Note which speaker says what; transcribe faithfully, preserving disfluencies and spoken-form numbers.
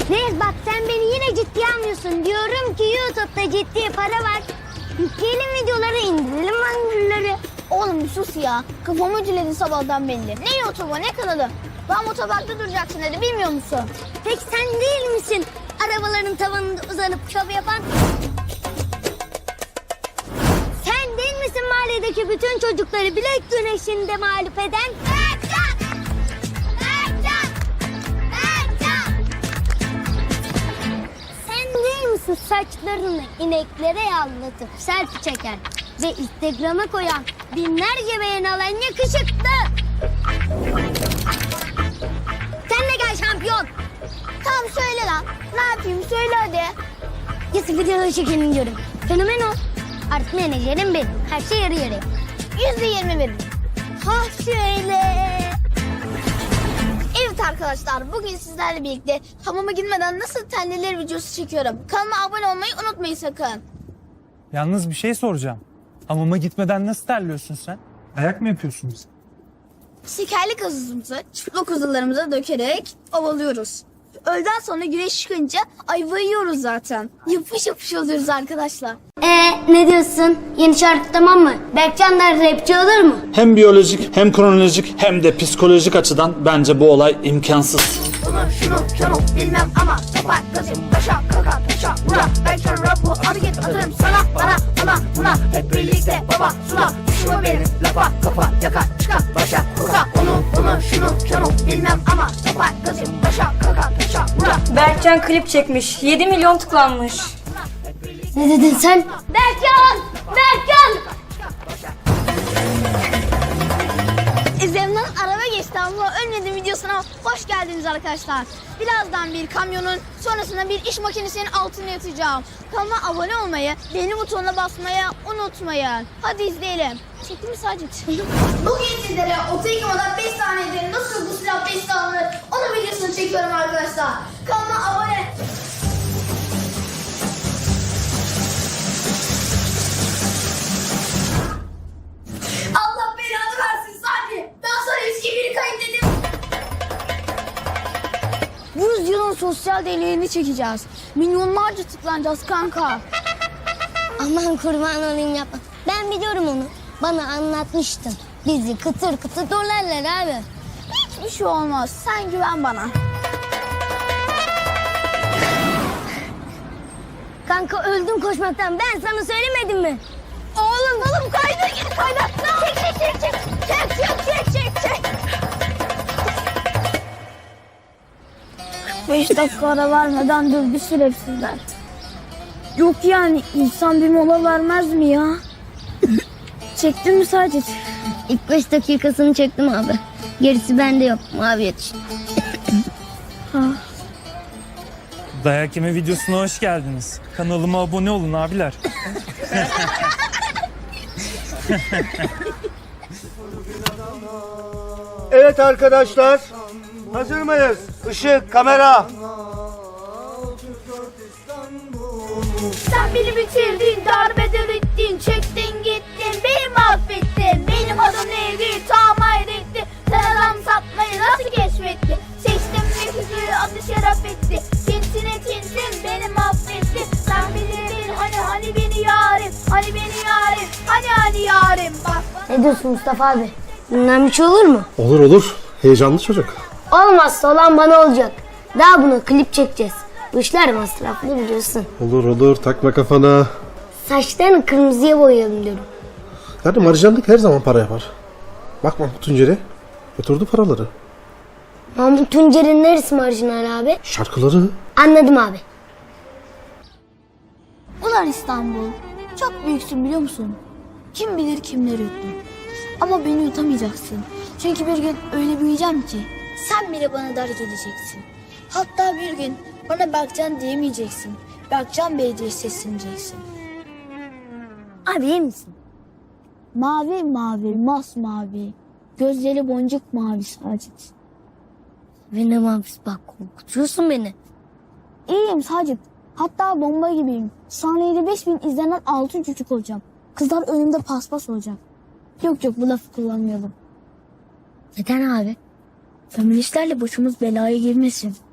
Speaker 1: Reis bak sen beni yine ciddiye almıyorsun. Diyorum ki YouTube'da ciddi para var. Yükleyelim videoları, indirelim mangırları.
Speaker 2: Oğlum bir sus ya. Kafamı ütüledin sabahtan belli. Ne YouTube'a ne kanalı? Ben otoparkta duracaksın dedi, bilmiyor musun?
Speaker 1: Peki sen değil misin arabaların tavanında uzanıp şov yapan? Sen değil misin mahalledeki bütün çocukları bilek güneşinde mağlup eden?
Speaker 2: Berkcan! Berkcan! Berkcan!
Speaker 1: Sen değil misin saçlarını ineklere yağlatıp selfie çeken ve Instagram'a koyan binlerce beğen alan yakışıklı? Sen de gel şampiyon.
Speaker 2: Tamam söyle lan. Ne yapayım söyle hadi.
Speaker 1: Yazık videoları çekelim diyorum. Fenomen ol. Artık menajerim benim. Her şey yarı yarıya.
Speaker 2: Yüzde yirmi veririm. Ha şöyle. Evet arkadaşlar, bugün sizlerle birlikte hamama gitmeden nasıl terlenir videosu çekiyorum. Kanalıma abone olmayı unutmayın sakın.
Speaker 3: Yalnız bir şey soracağım. Hamama gitmeden nasıl terliyorsun sen? Ayak mı yapıyorsun bize?
Speaker 2: Şekerli gazımızı çıplak kuzularımıza dökerek ovalıyoruz. Öğleden sonra güneş çıkınca ayva yiyoruz zaten. Yapış yapış oluyoruz arkadaşlar.
Speaker 1: Ee ne diyorsun? Yeni şarkı tamam mı? Berkcan'dan rapçi olur mu?
Speaker 4: Hem biyolojik hem kronolojik hem de psikolojik açıdan bence bu olay imkansız.
Speaker 2: Bunu şunu şunu bilmem ama yapar gazım taşa kaka taşa vura. Ben şu rapu hareket atarım sana bana ona buna. Hep birlikte baba sula. Düşme benim lafa kafa yaka çıka başa kuka. Onu bunu şunu şunu bilmem ama yapar gazım taşa kaka taşa vura.
Speaker 5: Berkcan klip çekmiş. yedi milyon tıklanmış.
Speaker 1: Ne dedin sen? Berkcan! Berkcan!
Speaker 2: İzlemden araba geçti ama ölmedim videosuna hoş geldiniz arkadaşlar. Birazdan bir kamyonun sonrasında bir iş makinesinin altına yatacağım. Kanalıma abone olmayı, beğeni butonuna basmayı unutmayın. Hadi izleyelim. Çekti mi Sacit? Bugün sizlere oto yıkamadan beş saniyede nasıl bu silah beş alınır onun videosunu çekiyorum arkadaşlar. Kanalıma abone... Allah belanı versin Sadi. Ben sana eski biri kaydettim. yüz yılın sosyal deneyini çekeceğiz. Milyonlarca tıklanacağız kanka.
Speaker 1: Aman kurban olayım yapma. Ben biliyorum onu. Bana anlatmıştın. Bizi kıtır kıtır dolarlar abi.
Speaker 2: Hiçbir şey olmaz. Sen güven bana.
Speaker 1: Kanka öldüm koşmaktan. Ben sana söylemedim mi?
Speaker 2: Oğlum oğlum kaydır git kaydır. Çek çek çek çek. Çek çek çek çek çek. Beş dakika ara vermeden dövdü şerefsizler. Yok yani insan bir mola vermez mi ya? Çektin mi Sacit?
Speaker 1: İlk beş dakikasını çektim abi. Gerisi bende yok. Mavi yetiş.
Speaker 3: Dayak yeme videosuna hoş geldiniz. Kanalıma abone olun abiler.
Speaker 6: Evet arkadaşlar, hazır mıyız? Işık, kamera.
Speaker 2: Sen beni bitirdin, darbeden ettin, çektin gittin, beni mahvettin. Benim adım neydi, tam hayretti. Sen adam satmayı nasıl keşfettin? Seçtim nefisi, adı şeref etti. Tinsine tinsin, beni mahvettin. Sen bilirdin, hani hani beni yarim, hani beni yarim, hani hani yarim. Bak
Speaker 1: Ne diyorsun Mustafa abi? Bundan bir şey olur mu?
Speaker 7: Olur olur. Heyecanlı çocuk.
Speaker 1: Olmazsa olan bana olacak. Daha bunu klip çekeceğiz. Bu işler masraflı biliyorsun.
Speaker 7: Olur olur. Takma kafana.
Speaker 1: Saçlarını kırmızıya boyayalım diyorum.
Speaker 7: Yani marjanlık her zaman para yapar. Bak Mahmut Tuncer'e. Götürdü paraları.
Speaker 1: Mahmut Tuncer'in neresi marjinal abi?
Speaker 7: Şarkıları.
Speaker 1: Anladım abi.
Speaker 2: ulan İstanbul, çok büyüksün biliyor musun? Kim bilir kimleri yuttun. Ama beni yutamayacaksın. Çünkü bir gün öyle büyüyeceğim ki sen bile bana dar geleceksin. Hatta bir gün bana Berkcan diyemeyeceksin. Berkcan Bey diye sesleneceksin.
Speaker 1: Abi iyi misin?
Speaker 2: Mavi mavi, masmavi. Gözleri boncuk mavi Sacit.
Speaker 1: Benim abi bak korkutuyorsun beni.
Speaker 2: İyiyim Sacit. Hatta bomba gibiyim. Saniyede beş bin izlenen altın çocuk olacağım. Kızlar önümde paspas olacak. Yok yok bu lafı kullanmayalım.
Speaker 1: Neden abi?
Speaker 2: Feministlerle başımız belaya girmesin.